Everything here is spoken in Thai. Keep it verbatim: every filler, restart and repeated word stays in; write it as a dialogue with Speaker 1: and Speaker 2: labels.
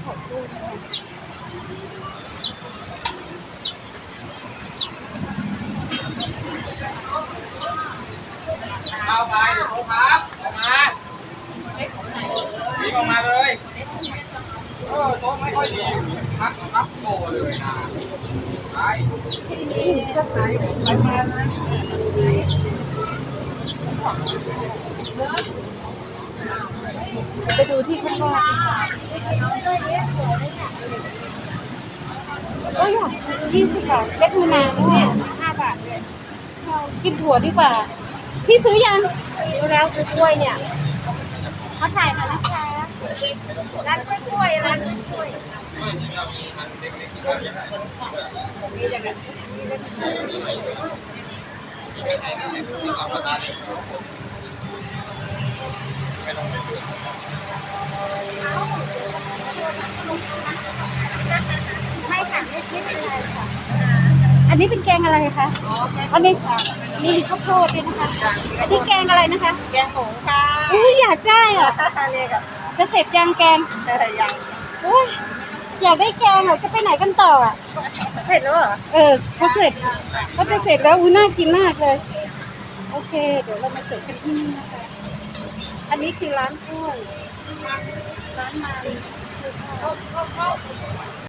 Speaker 1: ไข่กุ้งนะคะ
Speaker 2: เอาไปเดี๋ยวโทรครับออกมาวิ่งออกมาเลยเออโต๊ะไม่ค่อยดีพักพักโตเลยนะไป
Speaker 1: นี่ก็สวยๆไปมานะไปดูที่ข้างนอกก็อยากยี่สิบบาทเล็กมะนาวเนี่ยห้าบาทเลยกินถั่วดีกว่าพี่ซื้อยังซื้อแล้วซื้อกล้วยเนี่ยเขาถ่ายมานะคะร้านกล้วยร้านกล้วยไม่ค่ะไม่คิดอะไรค่ะอันนี้เป็นแกงอะไรคะอ๋ออันนี้มีข้าวโพดด้วยนะคะอันนี้แกงอะไรนะคะ
Speaker 3: แกงหงค่ะ
Speaker 1: อุ้ยอยากได้อ่ะ
Speaker 3: เนี่ยกับ
Speaker 1: จะเสร็จยังแกง
Speaker 3: ยัง
Speaker 1: อุ้ยอยากได้แกงอ่ะจะไปไหนกันต่ออ่ะ
Speaker 3: เสร็จแล้วเหรอ
Speaker 1: เออเขาเสร็จเขาจะเสร็จแล้วอุ้ยน่ากินมากเลยโอเคเดี๋ยวเรามาเสิร์ฟกันที่นี่นะคะอันนี้คือร้านกล้วยร้านมัน